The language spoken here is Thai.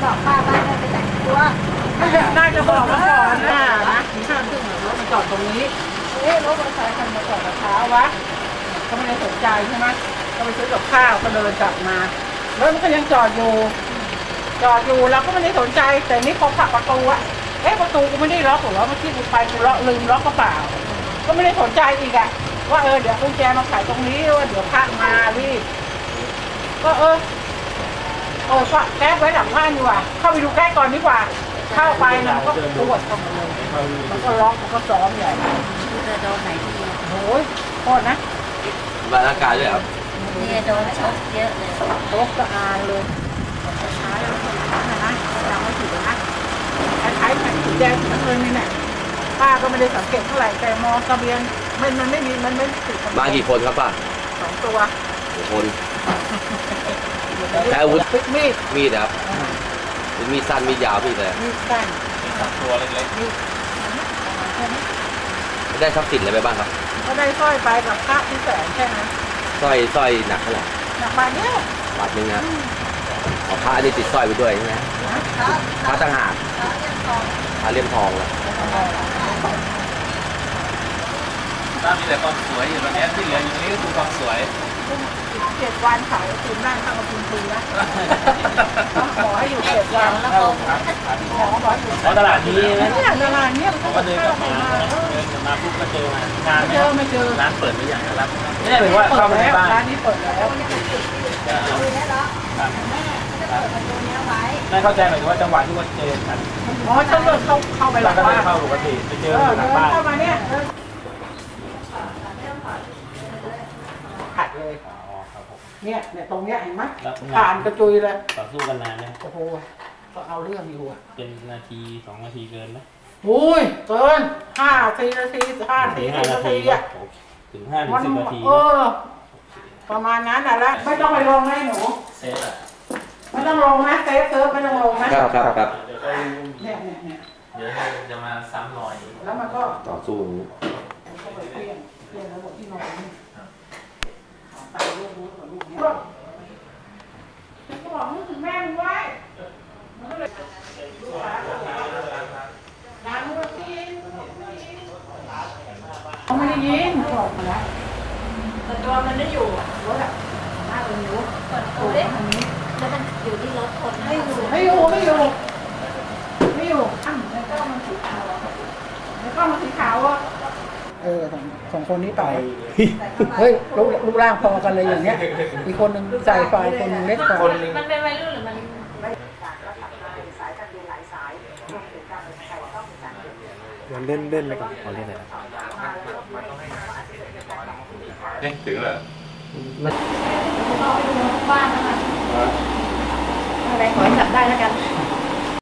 บอกป้าว่าได้ไปแต่งตัวน่าจะบอกมาก่อนนะ5 ทุ่มรถมาจอดตรงนี้รถมอเตอร์ไซค์คันมาจอดเช้าวะก็ไม่ได้สนใจใช่ไหมก็ไปซื้อกับข้าวก็เดินกลับมารถมันก็ยังจอดอยู่เราก็ไม่ได้สนใจแต่นี่พอผลักประตูอะประตูกูไม่ได้ล็อกหรอเมื่อกี้กูไปกูลืมล็อกกระเป๋าก็ไม่ได้สนใจอีกอะว่าเดี๋ยวกุญแจมาขายตรงนี้ว่าเดี๋ยวพระมารีบก็ก็แก๊สไว้หลังบ้านดีกว่าเข้าไปดูแก๊สก่อนดีกว่าเข้าไปมันก็ปวดเข้ามาเลยมันก็ร้องมันก็ซ้อมใหญ่จะโดนไหนทีโอ้ยโทษนะบาร่างกายด้วยครับนี่โดนชกเยอะเลยชกกระอานเลยช้าแล้วนะยังไม่ถึงนะใช้แผ่นสีแดงทั้งเลยนี่แหละป้าก็ไม่ได้สังเกตเท่าไหร่แต่มองทะเบียนมันไม่มีมันไม่ติดมากี่คนครับป้า 2 ตัวคนใช้อาวุธมีดครับมีสั้นมียาวพี่เลยมีสั้นตัวเล็กๆได้ทรัพย์สินอะไรไปบ้างครับก็ได้สร้อยไปกับพระที่แสนแค่นั้นสร้อยหนักเท่าไหร่หนักบาทเดียวบาทนึงนะพระนี่ติดสร้อยไปด้วยใช่ไหมพระต่างหากพระเลี่ยมทองเลยถ้ามีแต่ความสวยอยู่ตรงนี้ที่เหลืออยู่นี้ก็คือความสวย 7 วันขายคืนได้ข้าวมากินฟรีนะขอให้อยู่7 วันแล้วก็ขออยู่ตลาดนี้นะเนี่ยตลาดเนี่ยเขาก็เดินกลับมาปุ๊บก็เจองานไม่เจอร้านเปิดไม่อย่างนั้นไม่ได้เป็นว่าเข้ามาในบ้านร้านนี้เปิดแล้วไม่เข้าใจหมายถึงว่าจังหวะที่ว่าเจอกันฉันเลิกเข้าไปหลังบ้านเข้าปกติไปเจอหลังบ้านเข้ามาเนี่ยขัดเลยเนี่ยตรงเนี้ยเห็นไหมผ่านกระจุยเลยต่อสู้กันนานนะโอ้โหก็เอาเรื่องอยู่อ่ะเป็นนาที2 นาทีเกินไหมอุ้ยเกิน5 นาที5 นาทีอ่ะถึง5 ถึง 10 นาทีประมาณนั้นน่ะแล้วไม่ต้องไปลงให้หนูเซฟอ่ะไม่ต้องลงนะเซฟไม่ต้องลงนะครับเนี่ยเดี๋ยวจะมาซ้ำรอยแล้วมันก็ต่อสู้ก็ไปเปลี่ยนแล้วหมดที่นอนตายลูกรู้กับลูกเนี่ยก็บอกนึกถึงแม่มึงไว้มันก็เลยด่ามึงว่ากินเขาไม่ได้ยินเขาบอกมาแล้วแต่ตัวมันได้อยู่รถอ่ะหน้าตัวนิ้วเปิดตัวได้ทางนี้แล้วมันอยู่ที่รถคนไม่อยู่แล้วก็มันสีขาวอ่ะ2 คนนี้ต่อยเฮ้ยรูปร่างพอกันเลยอย่างเงี้ยอีกคนนึงใส่ไฟคนนึงเล็กกว่ามันเป็นวัยรุ่นหรือมันมันเล่นไปก่อนเล่นอะไรถึงเหรอบ้านนะคะอะไรขอจับได้แล้วกัน